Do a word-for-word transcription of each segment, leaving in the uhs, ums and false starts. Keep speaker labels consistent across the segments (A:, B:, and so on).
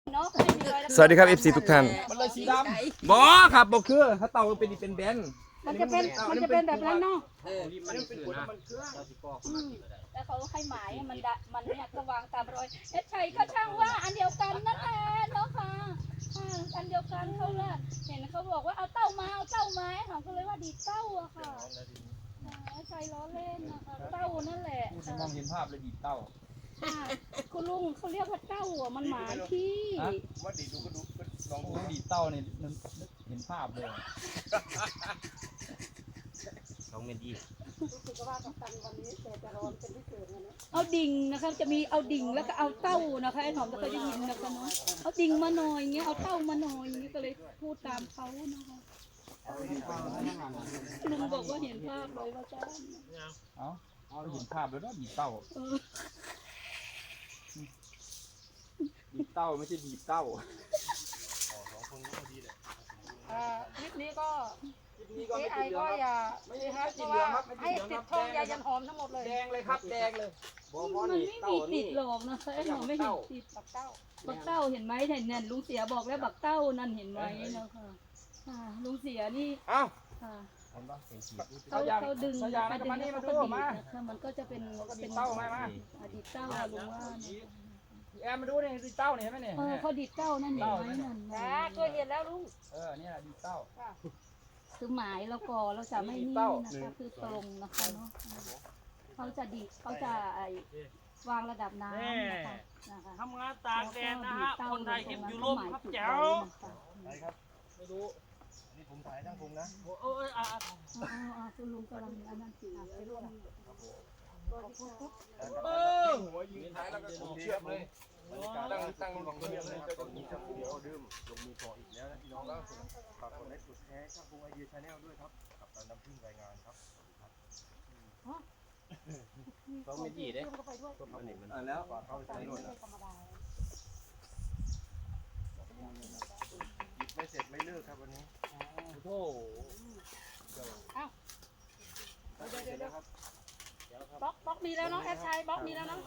A: สวัสดีครับ เอฟ ซี ทุกท่าน
B: มันเลยสีดำบอครับบอคือถ้าเต่ามันเป็นเป็นแบน
C: มันจะเป็นมันจะเป็นแบบนั้นเนาะ
B: เออมันเป็นขวดมันเครื่อง
C: แล้วเขาให้หมายมันดะมันเนี่ยก็วางตามรอยเอ๊ะใช่ก็ช่างว่าอันเดียวกันนั่นแหละเนาะค่ะอันเดียวกันเขาละเห็นเขาบอกว่าเอาเต้ามาเอาเต้ามาเขาก็เลยว่าดีเต้าอะค่ะใช่ล้อเล่นนะคะเต้านั่นแหละ
B: ผู้ชมมองเห็นภาพเลยดีเต่า
C: คุณลุงเขาเรียกว่าเต้าอ่ะมันหมายที่
B: ว่าดีดูก็ดูลองดูดีเต่าเนี่ยเห็นภาพเลยลองเมดี
C: เอาดิ่งนะคะจะมีเอาดิ่งแล้วก็เอาเต้านะคะไอ้หอมจะเคยได้ยินนะคะเนาะเอาดิ่งมาหน่อยเงี้ยเอาเต้ามาหน่อยอย่างเงี้ยก็เลยพูดตามเขานะคะลุงบอกว่าเห็นภาพเลยว่าจ้า
B: เอาเอาเห็นภาพแล้วนะดีเต่าดีเต่าไม่ใช่ดีเต่า
D: คลิปนี้ก็
B: นี่ก็
D: เอ
B: ไม่
D: ไอ
B: ติดเหลื
D: ก็
B: อง
D: อย่า
B: ไม่ใช่ครับติดเหลืองครับไม่
D: ให้
B: ติดเหลือง
D: ติ
B: ค
D: ด
B: รับ
D: ทองยายันหอมทั้งหมดเลย
B: แดงเลยครับแดงเลย
C: มันไม่มีติดหรอกนะคะไอ้หอมไม่เห็นติด
D: ปักเต้า
C: บักเต้าเห็นไหมเห็นเนี่ยลุงเสียบอกแล้วบักเต้านั่นเห็นไหมนะคะลุงเสียนี่
B: เอ้า
C: ค่ะ
B: เขา
C: เขาเขาดึง
B: เขายางมานี่มาดูมา
C: มันก็จะเป็นเป็น
B: เต้ามามา
C: อดีตเต้าลุงว่า
B: แอมมาดูเนี่ยดีเต้าเนี่ยเห็นไหมเนี่ย
C: เออเขาดีดเต้านั่นเห็นไหมนั่น
D: จ้าเคยเห็นแล้วลุง
B: เออเนี่ยดีเต้า
C: คือหมายแล้วก็เราจะไม่นี่นะคะคือตรงนะคะเนาะเขาจะดีเขาจะไอวางระดับน้ำนะคะนะคะ
E: ทำงานตากแดดนะฮะ คนไทยคลิปอยู่ร่มครับแจ๋ว
B: ไม่รู้นี่ผมถ่ายทั้งผมนะ
E: โอ้ยอ่ะ
C: อ๋อคุณลุงกำลังอันนั้นอยู่ไปร่วม
B: เออหัวยิงท้ายแล้วก็ผมเชือกเลยตั้งตั้งลงเชือกเลยจะต้องมีจังเดียวดื่มลงมือต่ออีกแล้วนะพี่น้องแล้วฝากกดไลค์กดแชร์ช่างพงไอเดียชาแนลด้วยครับกับการนำพึ่งรายงานครับต้องไม่ดีเด้อ่าแล้วเขาใช้รถไม่เสร็จไม่เลิกครับวันนี้โอ้โห
D: บล็อกบล็อกมีแล้วเนาะแอดชัยบล็อกมีแล้วเนาะ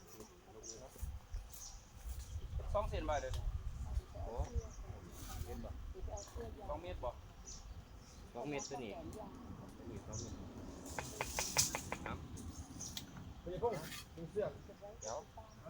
B: สองเซนไปเดี๋ยวโอ้เมตรบ่สองเมตรบ่สองเมตรตัวนี้นี่สองเมตรครับคุณจะพุ่งถึงเสื้อเดี๋ยว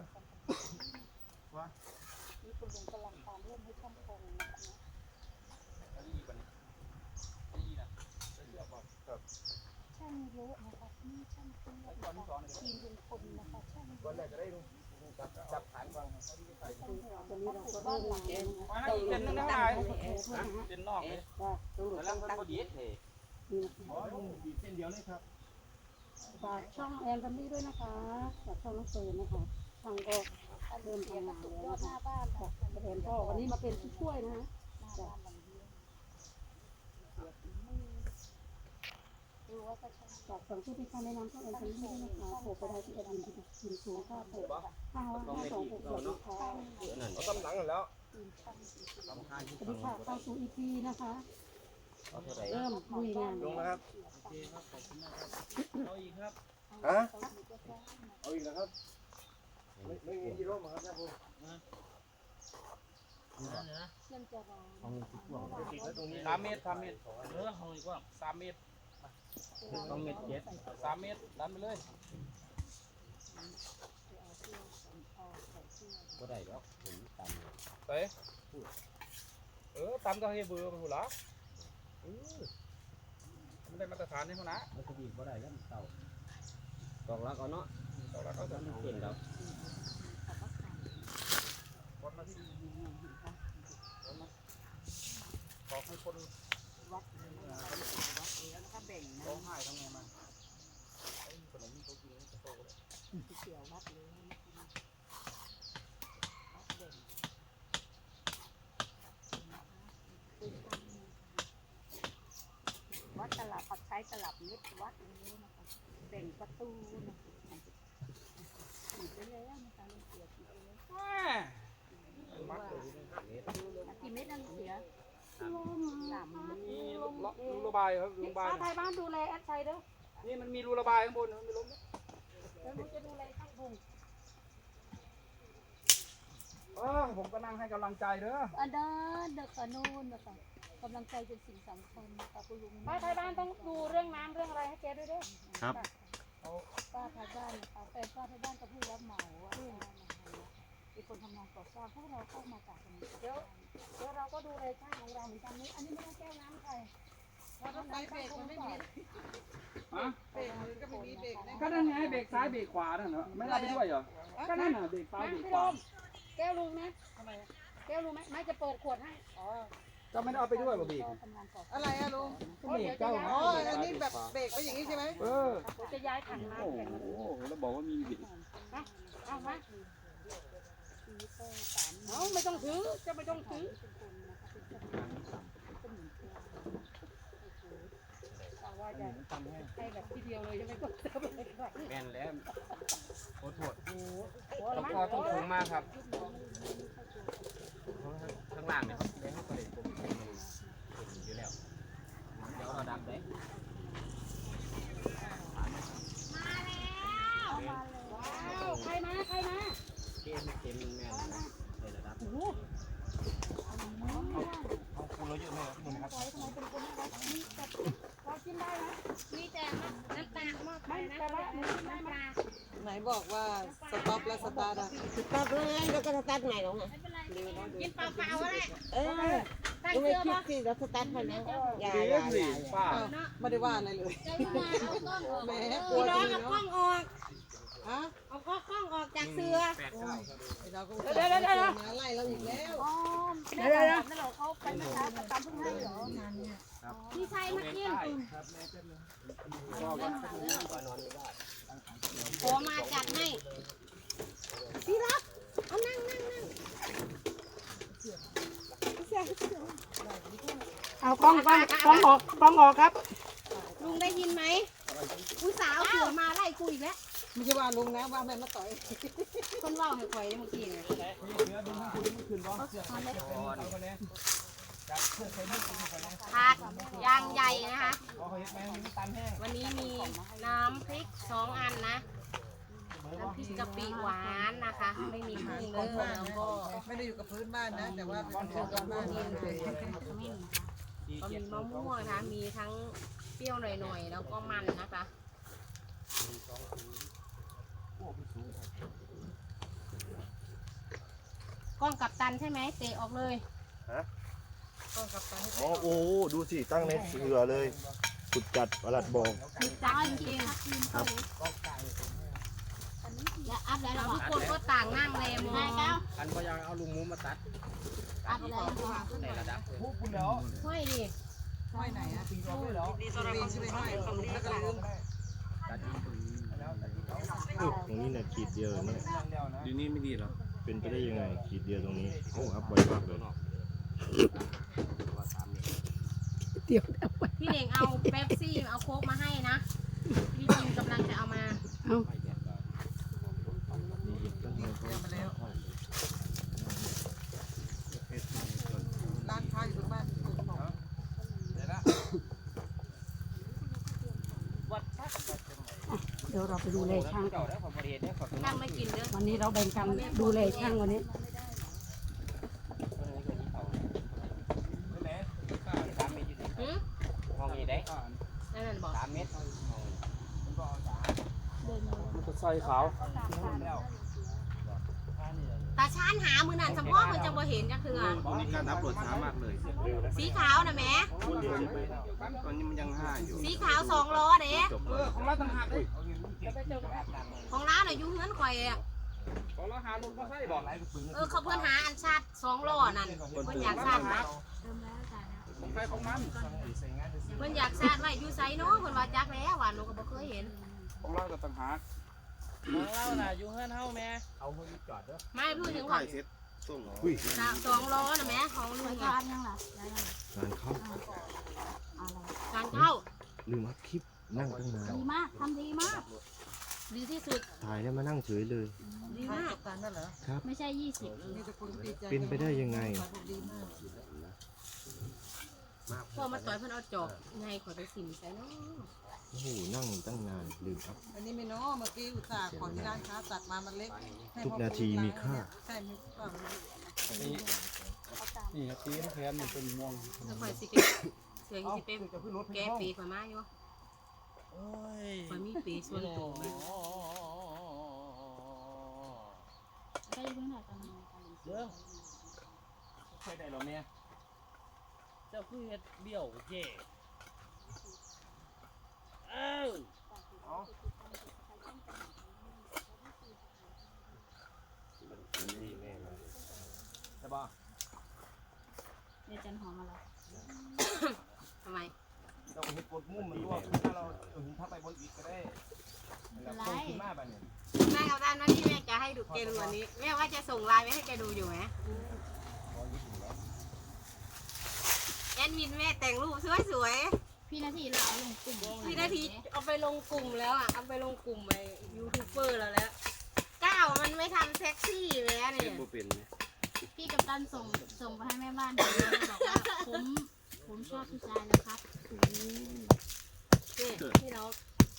B: ว่า
C: นี่คุณลุงกำลังตามเรื่องให้ช่างพงนะคะ
B: อันนี้ก่อนนี่นะเสื้อก่อนครับ
C: ช่างเยอะนะคะนี่ช่างคุณทีมลุงพลนะคะช่าง
B: ก่อนแรกจะได้ดูจับจับฐานฟัง
C: ตอนนี้เราก็เริ่มมาแล้วนะคะ
B: มาอีกเส้นนึงนะนายเส้นนอกเลยแล้วมันก็ดีดเลยอ๋อดีเส้นเดียวเลยครับ
C: ฝากช่องแอนกันนี่ด้วยนะคะฝากช่องน้องเฟิร์นนะคะช่างก็เริ่มทำงานแล้วนะคะแอนก็วันนี้มาเป็นผู้ช่วยนะฮะฝากฝั่งผู้ที่เขาแนะนำช่องแอนกันนี่ด้วยนะคะโผล่ไปได้ที่แอดมินที่ทีมสูงค่าโผล่ห้าห้าสองหกสองค่ะ
B: เอาตำหนังแล้ว
C: สวัสดีค่ะเข้าสู่ อี พี นะคะเริ่มลุยงาน
B: ลงนะครับ
E: เอาอีกครับ
B: ฮะเอาอีกแล้วครับไม่ไม่มีที่ร่มครับท่านผู้
C: เชื่อมจะรอ
B: ตรงนี้สามเมตรสามเมตร
E: เออเอาอีกว่า
B: สามเมตรสองเมตรเจ็ดสามเมตรดันไปเลยก็ได้แล้วผมตามไปเออตามก็ให้เบอร์ไปหัวละไม่ได้มาตรฐานนี่เขานะมันจะดีก็ได้แล้วเต่าตอกลักเอาเนาะตอกลักเอาจะเก่งแล้วคนมาที่บอกให้คนวัดแล้วแบ่งร้องไห้ทำไงมาขนมเขากินจะโตเลยเกี่ยววัดเลย
D: วัดตลับปัดใช้ตลับเม็ดวัดนี้นะคะแบ่งประตูนะคะขีดไปแล้วนะคะลุงเสียขีดไปแล้วกี่เม็ดนั่นเสียสาม
B: มันมีรูระบายครับรูระบาย
D: ป้าไทยบ้านดูแลแอดชัยเด้อ
B: นี่มันมีรูระบายข้างบนมันไม่ล้ม
D: แล้วหนูจะดูแลช่างพง
B: ปเออผมก็นั่งให้กำลังใจเด้อ
C: อันนั้นเด็กอนูนนะคะกำลังใจเป็นสิ่งสำคัญนะคะคุณลุง
D: ป้าไทยบ้านต้องดูเรื่องน้ำเรื่องอะไรให้แกด้วยเด้อ
A: ครับ
C: ป้าไทยบ้านนะคะแฟนป้าไทยบ้านกับผู้รับเหมาว่าเป็นคนทำงานก่อสร้างพวกเราเข้ามาจากตรงนี้
D: เดี๋ยวเดี๋ยวเราก็ดูเลยช่างของเราเหมือนกันนี้อันนี้ไม่ต้องแก้วน้ำใครเราต้องใส่เบรกมันไม่มี
B: ฮะ
D: เบรกมือก็ไม่มีเบรกนะ
B: ก็นั่นไงเบรกซ้ายเบรกขวานั่นเหรอไม่ได้ไปด้วยเหรอก็นั่นน่ะเบรกซ้ายเบรก
D: พี่
B: ข
D: ล
B: วาม
D: แก้วลุงนะทำไมแก้วลุงไหมไม่จะเปิดขวดให้อ๋อ
B: ก็ไม่ได้เอาไปด้วยบ่เบรก
C: ทำงานก่อสร้าง
F: อะไรอะลุง
B: ก็เบรกเจ้า
F: อ๋อ อันนี้แบบเบรกไปอย่างนี้ใช่ไหม
B: เออ
D: จะย้ายถัง
B: โอ้
D: น้ำ
B: โห
D: แข่งมา
B: แล้วบอกว่ามีเบรก
D: เอามาเอาไม่ต้องถือจะไม่ต้องถือว่าจะให้แบบทีเดียวเลยใช่ไหมก็จะไม่ได้
B: แม่นแล้วโอ้โห
D: โอ้โห
B: ต้องคอต้องสูงมากครับข้างล่างเนี่ยเขาได้ให้ตัวเด็กผมอยู่แล้วเดี๋ยวเราดับได้
D: ว้าวใครมาใครมา
B: เกมเกมแม่นเลยระดับ
D: โอ้โห
B: เอาคูเราเยอะไหมครับคุณครับ
D: พอกินได้ไหม
C: มีแต่น้ำตาลมากไป
D: ไม่
C: นะ
D: แต่ว่าหนูกินได้ไหม
F: ไหนบอกว่าสต็อปแล้วสตาร์ทอะ
G: สตาร์ทเลยแล้วก็สตาร์ทใหม่หรอไง
C: กินเปล่าๆก็ได้
G: เออยังไม่คิดสิเราสตาร์ทไปแล้วอย่า
B: เก
G: อย่าม
B: สิ
G: อย่า
B: ป้า
F: ไม่ได้ว่าอะไรเลย
C: ใจมาเอากล้องออก
F: แหม
C: เด้
F: กลัว
C: อ
F: จริงเนาะ
G: กล้องออก
F: ฮะ
G: เอากล้องออกจากเสือ
B: แปดเก้า
F: ไอ้เราก็เดี๋ยวเดี๋ยวเดี๋ยวมาไล่เราอีกแล้ว
C: อ๋อแม่บอกนั่นเหรอเขาเป็นนะคะประจำเพิ่งให้เหรอพี่ชัยมากิน
G: ขอมาจัดให้พี่รักเอานั่งนั่งนั่ง
D: เอากล้องกล้องกล้องออกกล้องออกครับ
G: ลุงได้ยินไหมผู้สาวเสือมาไล่กูอีกแล้ว
F: ไม่ใช่ว่าลุงนะว่าแม่มาต่อย
G: คนเล่าให้ข่อยเมื่อกี้เนี่ย ถาดยางใหญ่นะคะ วันนี้มีน้ำพริกสองอันนะ น้ำพริกกะปิหวานนะคะ ไม่มีเครื่องเด้อแล้วก็
F: ไม่ได้อยู่กับพื้นบ้านนะ แต่ว่าเป็นคนกับบ้านนี่เลย
G: ก็มีมะม่วงนะคะ มีทั้งเปรี้ยวหน่อยๆ แล้วก็มันนะคะกล้องกับตันใช่ไหมเตะออกเลย
A: อ๋อโอ้ดูสิตั้งในเสือเลยขุดจัดประหลัดบอก
G: คือจัดจริงๆครับแล้วอัพแล้วทุกคนก็ต่างนั่งเลยมอง
B: อันก็ยังเอาลุงมุ้มมาตัด
G: อัพแล้ว
B: ในระดับพูดคุณแล้ว
G: ห้อยดิ
F: ห้อยไหนอะปีใช่ไหมห้อยของลุงแล้วก็ลืม
B: ตัด
A: ตรงนี้เนี่ยขีดเดียวเนี่ย
B: ดีนี่ไม่ดีหรอ
A: เป็นไปได้ยังไงขีดเดียวตรงนี้โอ้อัพไวมากเลย
G: พี่เน่งเอาเป๊ปซี่เอาโค้กมาให้นะพี่จิมกำลังจะเอามา
F: ร้านค้าอยู่ตรงบ้านผมบอก
D: เดี๋ยวเราไปดูเลยช่าง
B: เก่าได้ขอบริเวณได้ขอบ
G: ช่างไม่กินเด้อ
D: วันนี้เราแบ่งกันดูเลยช่างวันนี้
B: สามเมตรอยู่
G: หืม
B: ห้องนี้ได้
G: นั่นน่ะบอก
B: สามเมตรมันก็ใส่ขาว
G: ตาชานหามือนั่นสมพ่อมันจะบ่เห็นจะคือ
B: ตรงนี้การอัพโหลดช้ามากเลย
G: สีขาวนะแม่
B: ตอนนี้มันยังห้าอยู่
G: สีขาวสองล้อเด้
B: เออของเราต่างหากเลย
G: ของร้านน่ะอยู่เฮือนข่อยอะ
B: ของเราหาลุงก็ใส่บอก
G: เออเขาเพื่อนหาอันชาติสองล้อนั่นเพื่อนอยากชาติไว้
B: ของใครของมัน
G: เพื่อนอยากชาติไว้อยู่ไซเนาะเพื่อนว่าจักแล้วว่าหนูก็บ่เคยเห็น
B: ของเราก็ต่างหาก
E: ของเราน่ะอยู่เฮือนเฮาแม่
B: เอาคนจอดเด้อ
G: ไม่พูดถึงว่า
A: ส้มอุ้ย
G: สองล้อนะแม่ของลุงอะ
A: งานเข้า
G: การเข้า
A: ลืมอัพคลิปนั่งตั้งนาน
C: ดีมากทำดีมาก
G: ดีที่สุด
A: ถ่ายแล้วมานั่งเฉยเลย
G: ดีมาก
F: การนั่นเหรอ
C: ไม่ใช่ยี่สิบ
F: นี่จะคุณดีใจ
A: เป็นไปได้ยังไง
F: ดีมาก
G: พวกมาต่อยเพิ่นเอาจอบไงขอไปสิมใส่เนาะ
A: โอ้โหนั่งตั้งนานลืมครับ
F: อันนี้ไม่เนาะเมื่อกี้อุตส่าห์ขอที่ร้านค้าตัดมามันเล็กให้
A: ทุก
F: พ่อ
A: นาทีมีค่า
F: ใช่ไหมก็
E: นี่นี่ตีนแขนนี่เป็นม่วง
G: แล้วข่อยสิเกเสียงสิเป็นแก้ปีข่อยมาอยู่
E: โอ้ย
G: ข่อยมีปีส่วนตัวไหม
C: ใช่เพิ่งถ่ายตอนนั้น
E: เด้อใครได้หรอแม่เจ้าคือเฮ็ดเบี้ยวเย่เอ้า
B: ใช่ป่ะ
C: เดี๋ยวจันหอมมาแล้ว
G: ทำไม
B: เราเห็ดกดมุมมันรั่วถ้าเราถึงถ้าไปบนอีกก็ได้แล้วตรงขึ้นมาบ้านเนี่ย
G: แม่กับด้านว่าที่แม่จะให้ดูแกดูวันนี้แม่ว่าจะส่งไลน์ไปให้แกดูอยู่ไหมแอดมินแม่แต่งรูปสวยๆ
C: พี่นาทีเราเอาลงกลุ่ม
G: พี่นาทีเอาไปลงกลุ่มแล้วอ่ะเอาไปลงกลุ่มไอ้ยูทูบเบอร์แล้วแล้วก้าวมันไม่ทำเซ็กซี่แล้วเนี่ย
C: พี่กับตันส่งส่งไปให้แม่บ้านดูแล้วบอกว่าผมผมชอบผู้ชายนะครับอืม
G: นี่ที่เรา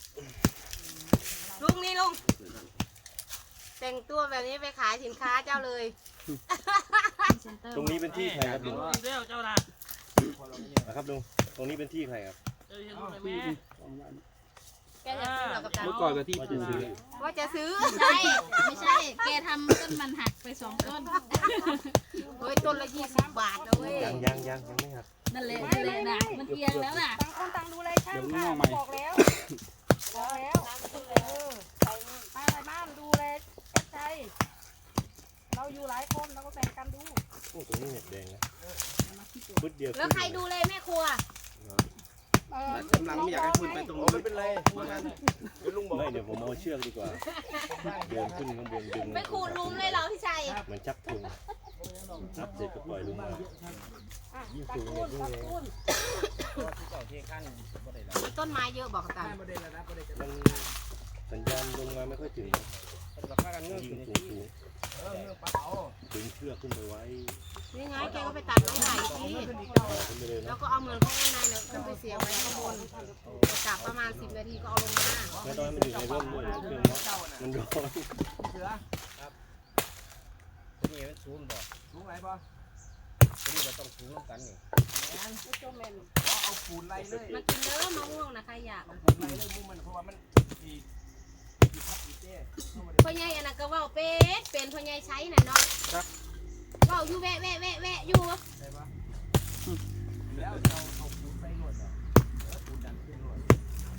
G: ลุงนี่ลุงแต่งตัวแบบนี้ไปขายสินค้าเจ้าเลย
C: เซ็นเตอร์
A: ตรงนี้เป็นที่ใครครับลุง
E: อีกแล้วเจ้าล่ะ
A: นะครับลุงตรงนี้เป็นที่ใครครับ
E: เจ้าเห็นรูปไหมแม่
G: แกจะซื้อเหรอกับตัน
E: เมื่อก่อนก็ที่
A: ว่า
E: ปู
A: จะซื้อ
G: ว่าจะซื้อ
C: ใช่ไม่ใช่แกทำต้นมันหักไปสองต้น
G: เฮ้ยต้นละยี่สิบบาทนะเว้ย
A: ยังยังยังยังไม่ครับ
C: นั่นแหละนั่นแหละนะมันเอียงแล้วน่ะ
D: ต่างคนต่างดูเลยช่าง
E: เดี๋ยวมึง
D: ค่ะ
E: มองใหม่
D: บอกแล้วบอกแล้วเออไปมาอะไรบ้านดูเลยเอ็ดใจเราอยู่หลายคนเราก็แบ่งกันดู
A: โอ้ตรงนี้เน็ตแดงนะพุดเดียว
G: แล้วใครดูเลยแม่ครัว
D: เออก
B: ำลังไม่อยากให้คุณไปตรงนู้นไม่เป็นไรเดี๋ยวลุงบอก
A: ไม่เดี๋ยวผมเอาเชือกดีกว่าเดินขึ้นข้างบนดึง
G: ไม่ขูดลุมเลยเหรอพี่ชัย
A: เหมือนชักธงนับเสร็จก็ปล่อยลงมา
D: อ่ะตะกูลตะกูล
B: เจ้าเทขั้นบ่ได้แล้ว
G: มีต้นไม้เยอะบอกกับตัน
B: บ่ได้แล้วนะบ่ได้
A: มันสัญญาณลงมาไม่ค่อยถึง
B: เป็นกับข้ากันเงื่อน
A: ยิง
B: ขึ้น
A: สูงสูง
B: เออเงื่อนปลาเอา
A: ดึงเชือกขึ้นไปไว้
G: นี่ไงแกก็ไปตัดไม้ใหญ่สิ
A: ขึ้นไปเลย
G: แล้
A: นะ
G: วก็เอาเหมือนข้างในเนี่ยขึ้นไปเสียบไว้ข้างบนจับประมาณสิบนาทีก็เอาลงมา
A: ไม่ต้องให้มันอยู่ในร่มด้วยเครื่องเนาะมันร้อน
B: เสือครับนี่มันสูงบ่สูงไรป่ะนี่เราต้องสูงกันนี่เอาปูนไล่เลย
G: มากินเด้อมะม่วงนะใครอยาก
B: ปูนไล่เลยมุมมันเพราะว่ามันอีอีพักอีเต้
G: พ่อใหญ่อันนั้นก็เว่าเป็ดเป็นพ่อใหญ่ใช้น่ะเนาะเว่าอยู่แวะแวะแวะแวะอยู่
B: ได้ปะแล้วเอาเอาปูนไปหนวดเหรอเออปูนดันขึ้นหนวด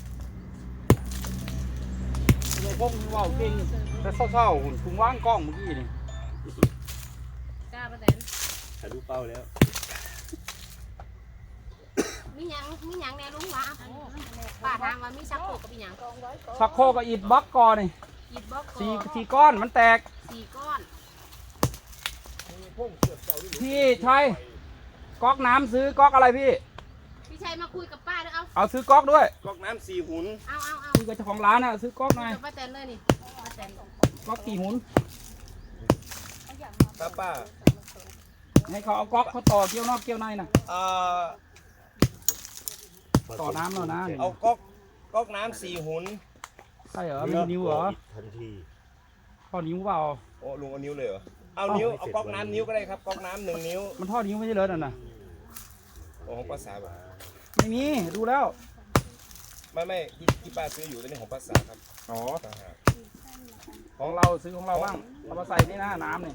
E: เราพงเว่าเก่งแต่เศร้าๆหุ่นพุงว่างกล้องเมื่อกี้นี่
G: กล้าประแตน
A: ถ่ายรูปเป้าแล้ว
G: มีหยังมีหยังแน่ลุงวะป้าถามว่ามีชักโครกกับมีหยัง
E: ชักโครกกับอิฐบล็อกก่อนนี่
G: หยิบบล็อกก่
E: สี่
G: อน
E: สี่ก้อนมันแตก
G: สี่ก้อน
E: พี่ชัยก๊อกน้ำซื้อก๊อกอะไรพี่
G: พี่ชัยมาคุยกับป้าด้วยเอา
E: เอาซื้อก๊อกด้วย
A: ก๊อกน้ำสี่หุ่น
G: เอาเอาเอา
E: คุยกับเจ้าของร้านอ่ะซื้อก๊อกหน่อย
G: กับป้าแตนเลยนี่ป้าแตน
E: ก๊อกกี่หุ่น
A: ป้าป้า
E: ให้เขาเอาก๊อกเขาต่อเกี่ยวนอกเกี่ยวในน่ะ
A: เอ่อ
E: ต่อน้ำแล้วนะ
A: เอาก๊อกก๊อกน้ำสี่หุ่น
E: ใช่เหรอมีนิ้วเหรอ
A: ทันที
E: ท่อนิ้วเปล่า
A: โอ้ลุงเอานิ้วเลยเหรอเอานิ้วเอาก๊อกน้ำนิ้วก็ได้ครับก๊อกน้ำหนึ่งนิ้ว
E: มันท่อนิ้วไม่ใช่เลยนั่นน่ะ
A: โอ้ของภาษาแบบ
E: ไม่มีดูแล้ว
A: ไม่ไม่ที่ที่ป้าซื้ออยู่ตัวนี้ของภาษาครับ
E: อ๋อ
A: ต่างหาก
E: ของเราซื้อของเราบ้างเอามาใส่นี่นะน้ำนี่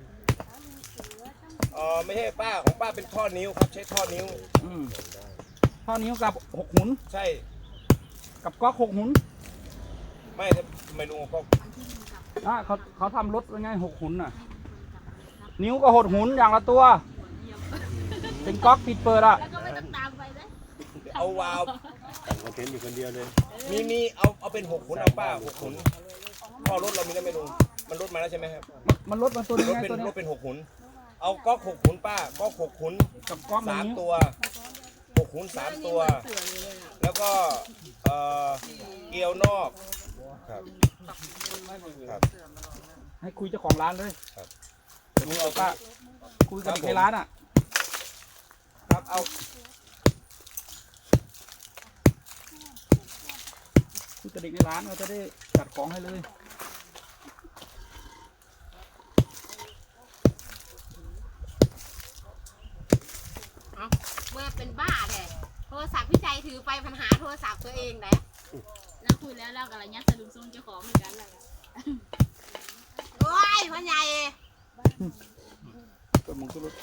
A: เออไม่ใช่ป้าของป้าเป็นท่อนิ้วครับใช้ท่อนิ้ว
E: อืมท่อนิ้วกับหกหุ่น
A: ใช่
E: กับก๊อกหกหุ่น
A: ไม่ทำไมลุงเอาก๊อก
E: อ่ะเขาเขาทำรถไว้ไงหกหุ่นน่ะ นิ้วก็หดหุ่นอย่างละตัว เป็นก๊อกปิดเปิดอ่ะ
C: แล้วก็ไม่ต้องตามไปนะ
A: เอาวาล์วแต่งคอนเทนต์อยู่คนเดียวเลยมีมีเอาเอาเป็นหกหุ่นเอาป้าหกหุ่นท่อรถเรามีแล้วไหมลุงมันรถมาแล้วใช่ไหมครับ
E: มันมันลดมาตัวนี้
A: รถ
E: ไง
A: เป็น
E: ตัวนี้
A: รถเป็นหกหุ่นเอาก๊อกหกหุ่นป้าก๊อกหกหุ่น
E: กับก๊อกหนึ่
A: สาง ม
E: นิ้ว
A: ตัวหกหุ่นสามตัว
G: เสือเลยเลยน่ะ
A: แล้วก็เอ่อเกลียวนอกครับครับ
E: ให้คุยเจ้าของร้านเลย
A: ครับ
E: คุยกับป้าคุยกับเด็กในร้านอ่ะ
A: ครับเอา
E: คือกระดิกในร้านเราจะได้จัดของให้เลย
G: เอาเมื่อเป็นบ้าเลยโทรศัพท์พี่ใจถือไปปัญหาโทรศัพท์ตัวเองไหน
C: แล้วคุยแล้วเรากับอะไรเงี้ยสะดุ้งซุ่มเจ้าของเหมือนกันแหละ
G: โอ้ยพ่อใหญ่
E: ก็มึงก็รู้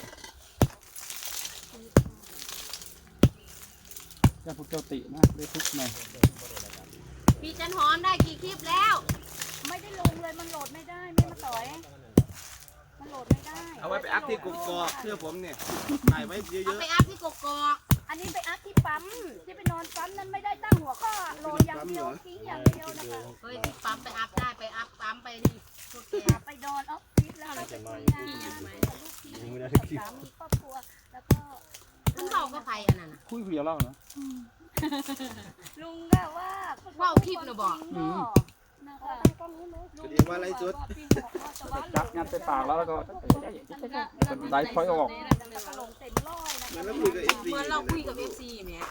E: จะพวกเจ้าตินะได้ทุกหน่อย
G: พี่จันหอมได้กี่คลิปแล้ว
D: ไม่ได้ลงเลยมันโหลดไม่ได้ไม่มาต่อยมันโหลดไม่ได้
A: เอาไว้ไปอัพที่กกอกเพื่อผมเนี่ยถ่ายไว้เย
G: เอา
A: อะ
G: ไปอัพที่กกอก
D: อันนี้ไปอัพที่ปั๊มที่ไปนอนปั๊มนั้นไม่ได้ตั้งหัวข้อโหลดอย่างเดียวทิ้งอย่างเดียวนะคะ
G: เฮ้ยที่ปั๊มไปอัพได้ไปอัพปั๊มไปดิพวกแก
D: ไปนอนออฟฟิศแล้วก็ไปทำงานกับลูกทีมกับสามีครอบครัวแล้วก็
G: มันเบาก็ไปอันนั้นน่ะ
E: คุยคุยกับเราเนาะ
D: ลุงก็ว่า
G: ว่าวคลิปน่ะบอก
E: อืม
D: นะคะ
A: ๆเรียกว่าอะไรจุด
E: จับงัดใส่ปากแล้วแล้วก็ไดฟอยออก
D: แล้วก็ลงเต็มร้อยนะคะ
A: มันแล้วคุยกับเอฟซี
G: เหมือนเราคุยกับเอฟซีเนี่ย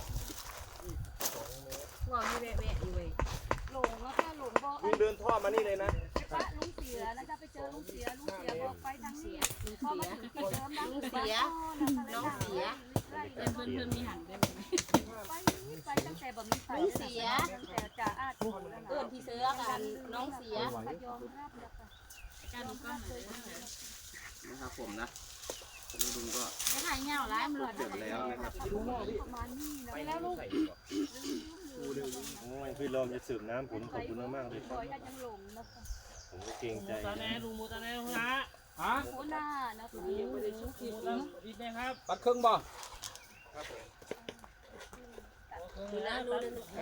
G: ว่าวนี่แวะๆอยู่เว้ย
D: หลงแล้วก็หลงบอก
A: ลุงเดินท่อมานี่เลยนะ
D: พระลุงเสียแล้วจะไปเจอลุงเสียลุงเสียบอกไปทางนี้พอมาถึงที่เดิมนะ
G: ลุงเสียน้องเสีย
C: เพื่อนเพื่อนมีหันได้ไหม
D: ไปไปตั้งแต่แบบมีไฟแต่จ่าอาด
G: เอื้อนที่เสือกันน้องเสีย
D: ยอมรับแล้วค่ะ
C: การดูกล้องเลย
A: นะครับผมนะลุงก็
C: จะถ่ายเงาร้ายมันหลอด
A: เสร็จแล้วนะครับ
D: ประมาณนี้นะแล้วลูก
A: โอ้ยพี่ลมจะสืบน้ำผมขอบคุณมากๆเลย
D: คอยยังหลงนะคะ
A: ผมก็เกรงใจ
B: ตาแน่ลุงมูตาแน่ฮะ
E: ฮะ
D: โคหน้านะคะ
B: อีกไหมครับ
E: ปัดครึ่งบ่
G: ดูนะดูนะ
D: ทุบ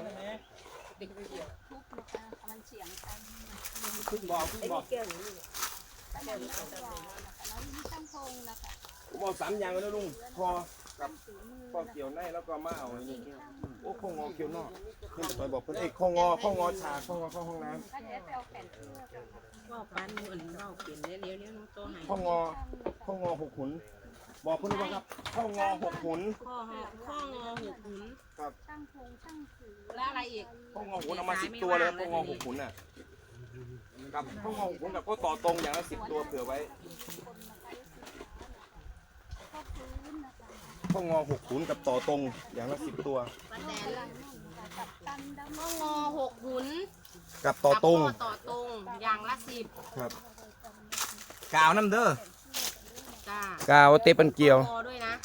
D: นะคะมันเฉียงกัน
E: ครึ่งบ่ครึ่งบ่
D: แต่ยังไม่หวานนะคะแล้วนี่ช่างพงนะคะ
A: ผมเอาสามอย่างแล้วลุงพอกับ
D: สีมือ
A: พอเกี่ยวในแล้วก็มาเอาอันนี้โอ้ข้องอเกี่ยวนอกขึ้นไปบอกเพื่อนเอกข้องอข้องอฉากข้องอเข้าห้องน้
D: ก็จะไปเอาแผ่นเสื้อกัน
G: ว่าวปันเหมือนว่าวเปลี่ยนเลี้ยวเลี้ยวน้องโตหาย
A: ำข้องอข้องอหกขุนบอกเพื่อนว่าครับข้องอหกขุน
G: ข้อหอข้องอหกหุน
D: ช่างพงช่างสือ
G: แล้วอะไรอีก
A: ข้องอหกขุนเอามาสิบตัวเลยข้องอหกขุนน่ะกับข้องอหกขุนกับก็ต่อตรงอย่างละสิบตัวเผื่อไว้
D: ก็พื้นนะคะ
A: ข้องอหกขุนกับต่อตรงอย่างละสิบตัว
G: ป้าแตน
D: กับตันดำ
G: ข้องอหกหุน
A: กับต่อตรง
G: กับข้อต่อตรงอย่างละสิบ
A: ครับกาวน้ำเด้อ
G: จ้าก
A: าวเตปันเกียว
G: คอด้วยนะ